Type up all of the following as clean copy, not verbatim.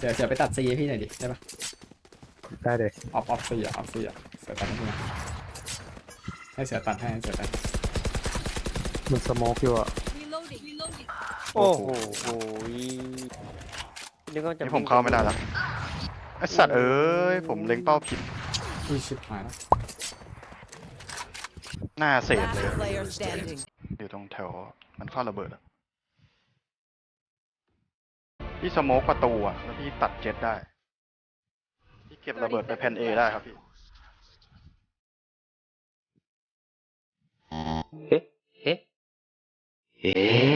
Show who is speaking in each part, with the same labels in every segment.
Speaker 1: เสือไปตัดซีให้พี่หน่อยดิได้ปะ
Speaker 2: ได้เลย
Speaker 1: ออฟซีอ่ะเสือตัดให้พี่นะให้เสือตัดให้เสือตัด
Speaker 2: มันสโมกอยู่อ่ะ
Speaker 3: โอ้โหนึกว่าจะ
Speaker 4: นี่ผมเข้าไม่ได้แล้วไอสัตว์เอ้ยผมเล็งเป้าผิด
Speaker 1: อุ้ยชิบหายแล้ว
Speaker 4: หน้าเศษเลย
Speaker 5: Last player standing.
Speaker 4: อยู่ตรงแถวมันเข้าระเบิดอะพี่สโมกประตูอะแล้วพี่ตัดเจ็ตได้พี่เก็บระเบิดไปแผ่นเอได้ครับพี่
Speaker 3: เฮ้เฮ้เฮ้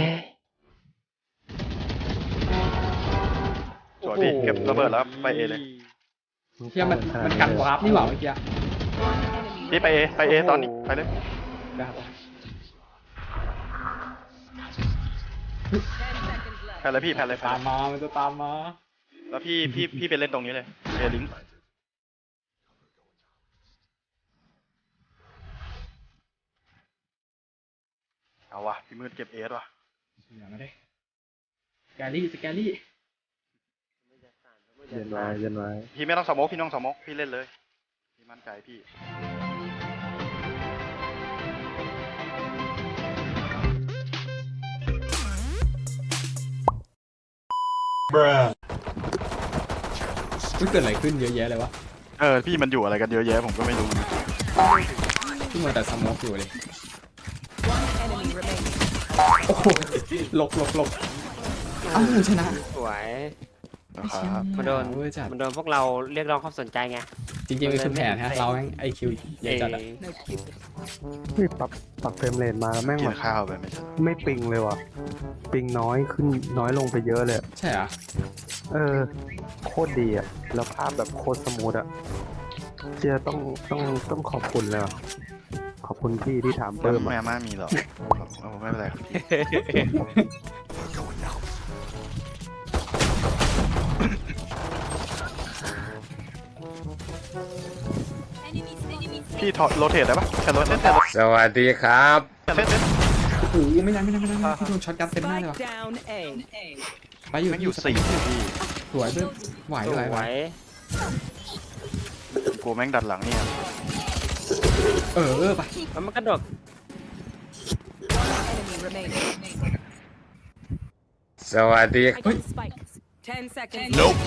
Speaker 4: สวยพี่เก็บระเบิดแล้วไปเอเลย
Speaker 1: เชี่ยมันกันวาร์ปนี่หว่าเมื่อกี้
Speaker 4: พี่ไปเอตอนนี้ไปเลย
Speaker 1: ได้ครับ
Speaker 4: แผ่นเลยพี่แผ่นเลย
Speaker 1: ตามมามันจะตามมา
Speaker 4: แล้วพี่ไปเล่นตรงนี้เลยเอลิงเอาวะพี่มืดเก็บเอสว่ะ
Speaker 1: อย่ามาได้แกลี่
Speaker 2: เย็นไว้
Speaker 4: พี่ไม่ต้องสโมกพี่น้องสโมกพี่เล่นเลยพี่มั่นใจพี่
Speaker 1: เกิดอะไรขึ้นเยอะแยะเลยวะ
Speaker 4: พี่มันอยู่อะไรกันเยอะแยะผมก็ไม่รู้
Speaker 1: ที่มันแต่สโมกอยู่เลย
Speaker 5: One enemy remaining.
Speaker 1: โอ้โหหลบอ้าวชนะ
Speaker 3: สวย
Speaker 4: นะครับ
Speaker 3: มันโดน
Speaker 1: เว้ยจัด
Speaker 3: มันโดนพวกเราเรียกร้องความสนใจไง
Speaker 1: จริงๆมันคือแผนฮะเราแม่งไอคิวเยอะจัดอะ
Speaker 2: เฮ้ยปรับเฟรมเรทมาแม่ง
Speaker 4: กิ
Speaker 2: แบ
Speaker 4: น
Speaker 2: บ
Speaker 4: ข้าวไปไม่ใช่
Speaker 2: ไม่ปิงเลยว่ะปิงน้อยขึ้นน้อยลงไปเยอะเลย
Speaker 1: ใช่เหรอ
Speaker 2: โคตรดีอ่ะแล้วภาพแบบโคตรสมูทอ่ะเจียต้องขอบคุณเลยว่ะขอบคุณพี่ที่ถาม
Speaker 4: เพิ่
Speaker 2: เพิ่
Speaker 4: ม
Speaker 2: ม
Speaker 4: แม่
Speaker 2: อ่ะ
Speaker 4: ม่ามีหรอไม่เป็นไรครับพี่ถอดโรเทตได้ปะแค่โรเทต
Speaker 6: สวัสดีครับ
Speaker 1: โอ้โหไม่ได้พี่โดนช็อตกันเต็มหน้าเลยว่ะ
Speaker 5: Spike down A.
Speaker 1: ไปอยู่
Speaker 4: แม่งอยู่สี่พี่
Speaker 1: สวยด้วยไหว
Speaker 3: ส
Speaker 1: ไหว
Speaker 3: วย
Speaker 4: กูแม่งดัดหลังเนี่ย
Speaker 1: ไป
Speaker 3: แล้วมันกระโดด
Speaker 5: Enemy remaining.
Speaker 6: สวัสดี
Speaker 5: I got spike. 10 seconds.
Speaker 4: Nope.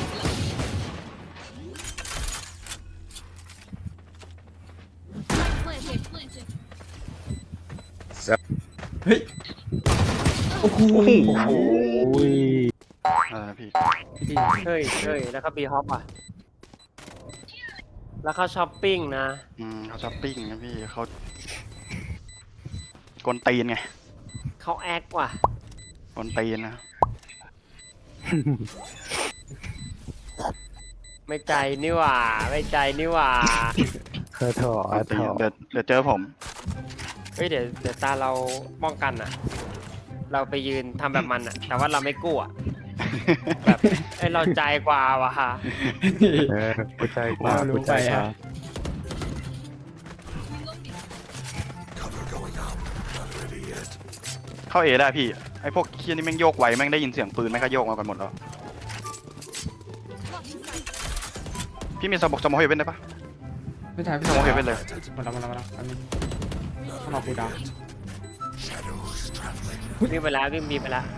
Speaker 1: เฮ้ยโอ้โห
Speaker 2: โอ้ย
Speaker 4: อะไรนะพี่
Speaker 1: พี่
Speaker 3: เฮ้ยแล้วก็บีฮอปอ่ะแล้วเขาช้อปปิ้งนะ
Speaker 4: เขาช้อปปิ้งนะพี่เขากวนตีนไง
Speaker 3: เขาแอคว่ะ
Speaker 4: กวนตีนนะ
Speaker 3: ไม่ใจนี่หว่าไม่ใจนี่หว่า
Speaker 2: เธอถอก
Speaker 4: วนตี
Speaker 2: ถ
Speaker 4: น
Speaker 2: อ
Speaker 4: เดี๋ยวเจอผม
Speaker 3: เฮ้ยเดี๋ยวตาเราป้องกันอ่ะ เราไปยืนทำแบบมันอ่ะ แต่ว่าเราไม่กู้อ่ะแบบเราใจกว่าว่ะ
Speaker 2: กูใจกว่ากูใจกว่า
Speaker 4: เข้าเอได้พี่ไอพวกเคียนี่แม่งโยกไวแม่งได้ยินเสียงปืนแม่งก็โยกมากันหมดแล้วพี่มีสมองเฮเว่นได้ปะ
Speaker 1: ไม่ใช่พี่
Speaker 4: สมองเฮเว่นเลย
Speaker 1: มาแล้วอันนี้ต้องรอกูดาว
Speaker 3: วิ่งไปแล้ววิ่งบีไปแล้ว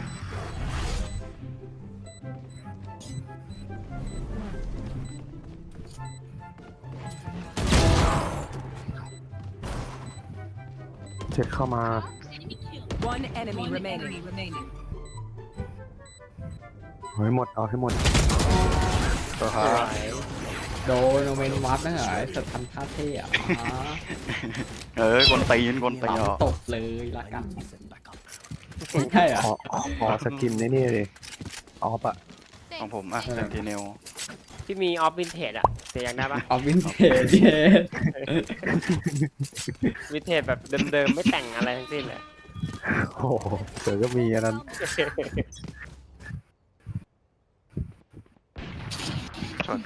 Speaker 2: เช็ดเข้ามา
Speaker 5: One enemy remaining.
Speaker 2: เอาให้หมดเอาให้หมด
Speaker 4: ตัวครับ
Speaker 1: โดนโนเมนวัดนะเหรอสัตว์ทำท่าเท่อะ
Speaker 4: กวนตีนเหรอ
Speaker 1: ตบเลยละกันใช่เหรอ
Speaker 2: ขอสกินนี่เลยออฟอะ
Speaker 4: ของผมอ่ะเซนติเนล
Speaker 3: ที่มีออฟวินเทจอ่ะเสียยังได้ปะ
Speaker 1: เอาวินเทจเย้
Speaker 3: วินเทจแบบเดิมๆไม่แต่งอะไรทั้งสิ้นเลย
Speaker 2: โอ้โหเดี๋ยวก็มีอันนั้น
Speaker 4: ชน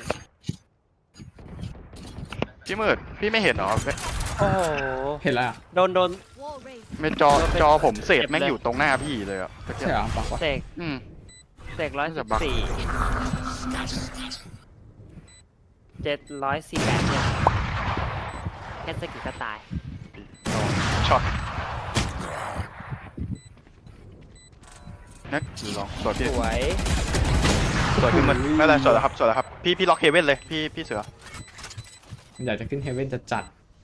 Speaker 4: พี่มืดพี่ไม่เห็นเหรอ
Speaker 3: โอ้โห
Speaker 1: เห็นแล้วอะ
Speaker 3: โดน
Speaker 4: ไม่จอผมเศษแม่งอยู่ตรงหน้าพี่เลยอ่ะ
Speaker 1: ใช่เหรอบอกว่า
Speaker 3: เสก
Speaker 4: อืม
Speaker 3: 114 748เนี่ยแค่สกิลก็ตาย
Speaker 4: ช็อตนักลองสวย
Speaker 3: ส
Speaker 4: พี่
Speaker 3: วย
Speaker 4: สวยขึ้นมันไม่เป็นไรสวยแล้วครับสวยแล้วครับพี่ล็อกเฮเว่นเลยพี่เสือ
Speaker 1: มันอยากจะขึ้นเฮเว่นจะจัด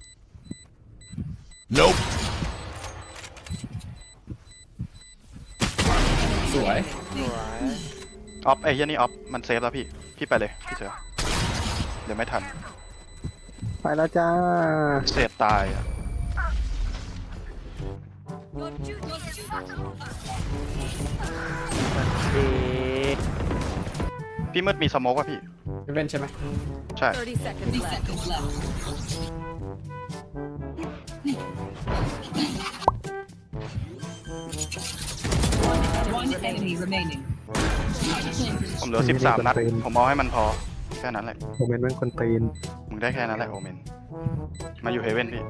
Speaker 1: สวย
Speaker 3: สวย
Speaker 4: ออฟไอ้เหี้ยนี่ออฟมันเซฟแล้วพี่ไปเลยพี่เสือเดี๋ยวไม่ทัน
Speaker 2: ไปแล้วจ้า
Speaker 4: เศษตายอ่ะ
Speaker 3: ดี
Speaker 4: พี่มืดมีสโมกป่ะพี่
Speaker 1: เฮเว่นใช่ไหม
Speaker 4: ใช่
Speaker 5: 30 seconds left. One enemy remaining.
Speaker 4: ผมเหลือ13 นัดผมเอาให้มันพอแค่นั้นแหละ
Speaker 2: โมเมนต์เป็นคนตีน
Speaker 4: มึงได้แค่นั้นแหละโอเมนมาอยู่เฮเว่นพี่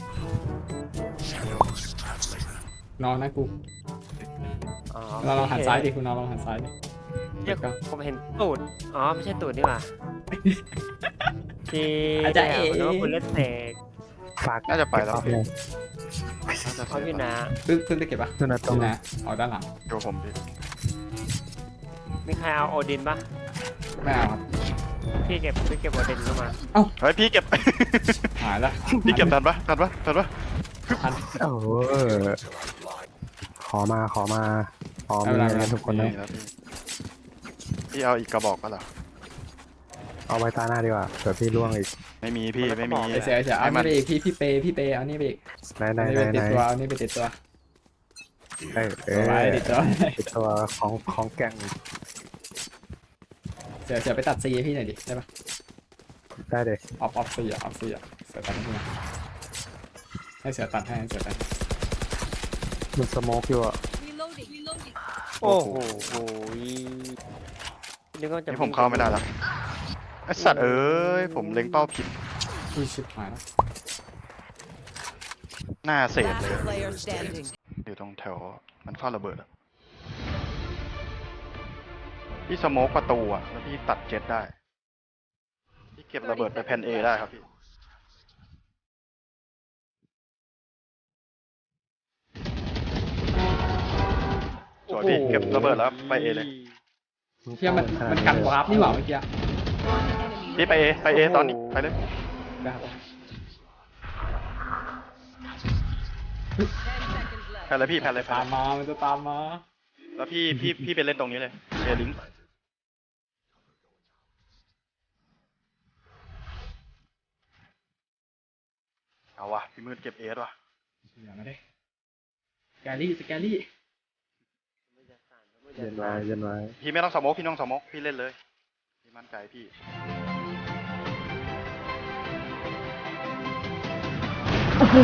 Speaker 1: นอนนะกู
Speaker 3: อ๋อ
Speaker 1: เราลองหันซ้ายดิคุณนอนลองหันซ้ายดิ
Speaker 3: เรียกผมเห็นตูดอ๋อไม่ใช่ตูดนี่หว่าที่
Speaker 1: อาจารย์เอ๋
Speaker 3: นึกว่าคุณเล่นเสก
Speaker 2: ฝาก
Speaker 4: น่าจะไปแล้ว
Speaker 2: เก็บ
Speaker 4: พี่
Speaker 2: เอา
Speaker 4: น่าจะ
Speaker 3: เขาพี่นะ
Speaker 1: ขึ้นได้เก็บปะ
Speaker 2: เลยนะตรง
Speaker 1: นี่นะออกด้านหลัง
Speaker 4: โยผมพี่
Speaker 3: มีใครเอาโอดินปะ
Speaker 1: ไม่เอาครับ
Speaker 3: พี่เก็บโอดินเข้ามา
Speaker 4: เฮ้ยพี่เก็บ
Speaker 1: หายละ
Speaker 4: พี่เก็บทันปะ
Speaker 1: ทัน
Speaker 2: โอ้ขอมาขอมีนะทุกคนนะ
Speaker 4: นี่แล้วพี่เอาอีกกระบอกก็เหรอ
Speaker 2: เอาไว้ตาหน้าดีกว่าเผื่อพี่ล่วงอีก
Speaker 4: ไม่มีพี่ไม่มี
Speaker 1: เสียเอานี่ไปอีกพี่เปย์เอานี่ไปอีก
Speaker 2: ไหน
Speaker 1: เอานี่ไปติดตัวเอานี่ไปติดตัว
Speaker 2: เออ
Speaker 1: ไว้ติดตัว
Speaker 2: ติดตัวของแก่ง
Speaker 1: เสียไปตัดซีพี่หน่อยดิได้ปะ
Speaker 2: ได้เลย
Speaker 1: ออฟซีอ่ะเสียตัดให้พี่หน่อยให้เสียตัดให้เสียตัด
Speaker 2: มันสโมกอยู่อ่ะ
Speaker 3: โอ้โหนึกว่าจะ
Speaker 4: นี่ผมเข้าไม่ได้แล้วไอสัตว์เอ้ยผมเล็งเป้าผิด
Speaker 1: อุ้ยชิบหายแล้ว
Speaker 4: หน้าเศษเลย
Speaker 5: Last player standing.
Speaker 4: อยู่ตรงแถวมันเข้าระเบิดอะพี่สโมกประตูอะแล้วพี่ตัดเจ็ตได้พี่เก็บระเบิดไปแผ่นเอได้ครับพี่สวยพี่เก็บระเบิดแล้วไปเอเลย
Speaker 1: เชี่ยมันกันวาร์ปนี่หว่าเมื่อกี้
Speaker 4: พี่ไปเอตอนนี้ไปเลย
Speaker 1: ได้ครับ
Speaker 4: แผ่นเลยพี่แผ่นเลย
Speaker 1: ตามมามันจะตามมา
Speaker 4: แล้วพี่ไปเล่นตรงนี้เลยเอลิงเอาวะพี่มืดเก็บเอสว่ะ
Speaker 1: อย่ามาได้สแกรี่
Speaker 2: เย็นไว้
Speaker 4: พี่ไม่ต้องสโมกพี่ต้องสโมกพี่เล่นเลยพี่มั่นใจพี่
Speaker 3: โอ้โห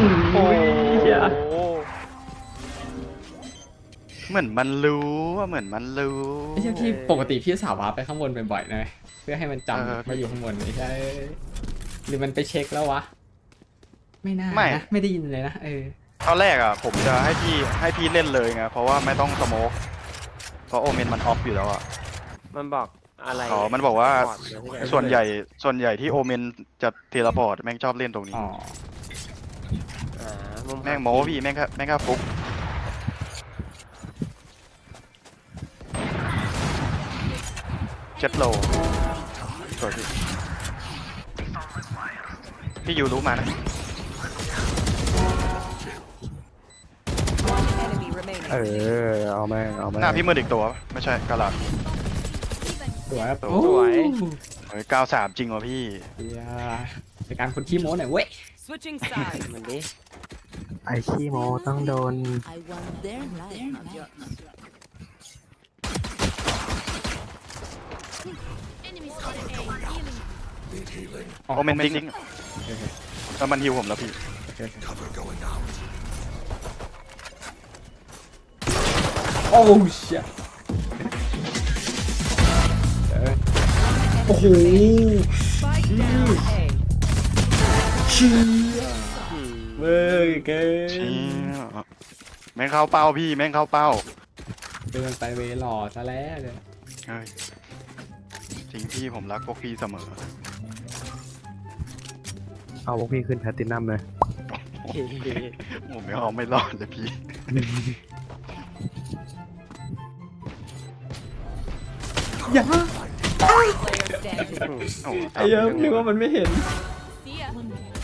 Speaker 4: เหมือนมันรู้ว่าเหมือนมันรู้
Speaker 1: ไม่ใช่พี่ปกติพี่สาววาร์ปไปข้างบนบ่อยๆนะเพื่อให้มันจำมาอยู่ข้างบนไม่ใช่หรือมันไปเช็คแล้ววะไม่น่านะไม่ได้ยินเลยนะ
Speaker 4: ตอนแรกอ่ะผมจะให้พี่เล่นเลยไงเพราะว่าไม่ต้องสโมกเพราะโอเมนมันออฟอยู่แล้วอ่ะ
Speaker 3: มันบอกอะไร
Speaker 4: อ๋อมันบอกว่า
Speaker 3: บอดเดี๋ยวพี่
Speaker 4: ส่วนใหญ่ที่โอเมนจะเทเลพอร์ตแม่งชอบเล่นตรงนี้
Speaker 1: อ๋อ
Speaker 3: มุม
Speaker 4: แม่งโม้พี่แม่งก็ฟุกเจ็ดโลสวยพี่ยูรู้มานะ
Speaker 5: One enemy remaining.
Speaker 2: เอาแม่ง
Speaker 4: หน้าพี่มืดอีกตัวปะไม่ใช่กาลาด
Speaker 1: สวยครับ
Speaker 3: สวย
Speaker 4: เฮ้ย93จริงวะพี่
Speaker 1: เฮียในการคนขี้โม้หน่อยเว้ย
Speaker 5: Switching sides.
Speaker 3: มันดิ
Speaker 2: ไอ้ขี้โมต้องโดน
Speaker 7: I want their life, not yours.
Speaker 4: โอเมนจริงแล้วมันฮิวผมแล้วพี่
Speaker 1: โอ้เชี่ยโอ้โห
Speaker 5: Spike down A.
Speaker 1: เชี่ยเว้ยเกิน
Speaker 4: แม่งเข้าเป้าพี่แม่งเข้าเป้า
Speaker 1: เดินไปเวหล่อซะแล้วเลย
Speaker 4: เฮ้ยสิ่งที่ผมรักพวกพี่เสมอ
Speaker 2: เอาพวกพี่ขึ้นแพลตตินัมเลย
Speaker 4: ผมไม่เอาไม่รอดเลยพี่
Speaker 1: อย่า
Speaker 5: Player standing.
Speaker 4: โอ้โห
Speaker 1: ไอ้เหี้ยนึกว่ามันไม่เห็น
Speaker 5: See ya.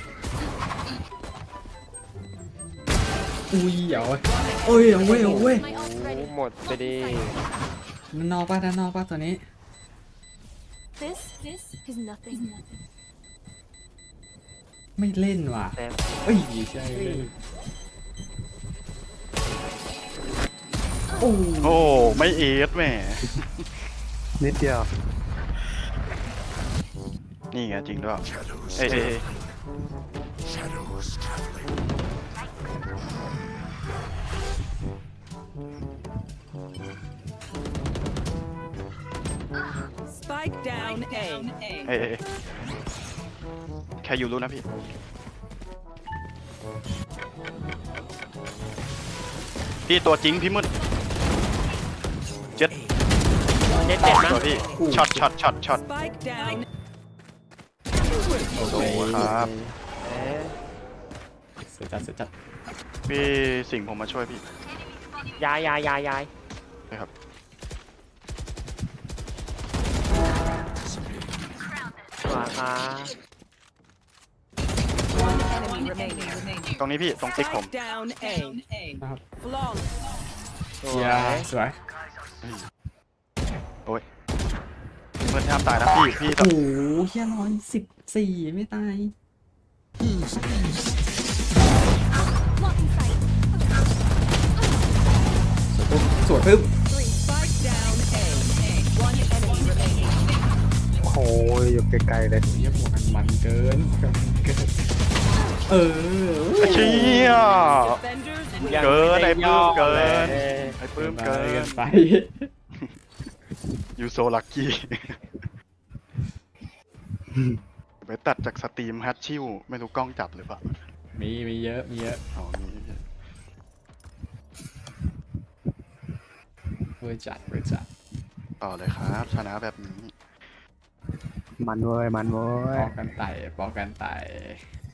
Speaker 1: อุ้ยเอาเว้ยเอ้ยเอาเว้ยเอาเว้ย
Speaker 5: My ult
Speaker 3: โอ้
Speaker 5: ready.
Speaker 3: หมดไปดิ
Speaker 1: ด้านนอกป่ะด้านนอกป่ะตัวนี้
Speaker 7: This is nothing.
Speaker 1: ไม่เล่นว่ะ
Speaker 3: แซม
Speaker 1: เอ้ยใช่เล่นโอ้
Speaker 4: โอ้ไม่เอสแหม
Speaker 2: นิดเดียว
Speaker 4: นี่ไงจริงด้วยเอ้ยเอ้ยเอ้ย
Speaker 5: Spike down A.
Speaker 4: เอ้ยเอ้ยแค่อยู่รู้นะพี่ พี่ตัวจริงพี่มืดเจ็ด
Speaker 3: เจ็ดเจ็ดนะ
Speaker 4: ตัวพี่ช็อตช็อตช็อตช็อต
Speaker 5: Spike down.
Speaker 4: โอ้โหครับ
Speaker 3: เอ๊ะ
Speaker 1: เสียจัดเสียจัด
Speaker 4: พี่สิงห์ผมมาช่วยพี่
Speaker 3: ยาย
Speaker 4: นะครับ
Speaker 3: ขวาค่ะ
Speaker 5: One enemy remaining.
Speaker 4: ตรงนี้พี่ตรงติ๊กผม
Speaker 5: Spike down A.
Speaker 1: นะครับ
Speaker 5: Flawless.
Speaker 3: สว
Speaker 1: อย่าย สวย
Speaker 4: โอ้ยพี่มืดห้ามตายนะพี่
Speaker 1: โอ้โหเฮีย114ไม่ตายสวยปึ๊บ
Speaker 5: Spike down A. One enemy remaining.
Speaker 2: โอ้ยอยู่ไกลๆเลย
Speaker 1: เฮียบวกกันมันเกินเออ
Speaker 4: เชี่ย
Speaker 5: Defenders win.
Speaker 3: ยัง
Speaker 4: เกิน
Speaker 3: ม่ด้
Speaker 4: ไอ้ปื้มเกิน
Speaker 3: ย่อลย
Speaker 4: ไอ้ปื้มเกิน
Speaker 1: ไป
Speaker 4: ยูโซลักกี้ไปตัดจากสตรีมฮัตชิวไม่รู้กล้องจับหรือเปล่า
Speaker 1: มีเยอะมีเยอะ
Speaker 4: อ๋อมี
Speaker 1: เวอร์จัดเวอร์จัด
Speaker 4: ต่อเลยครับ ชนะแบบนี้
Speaker 2: มันเว้ย มันเว้
Speaker 1: ป
Speaker 2: ย
Speaker 1: อกกันไต่ปอกกันไต่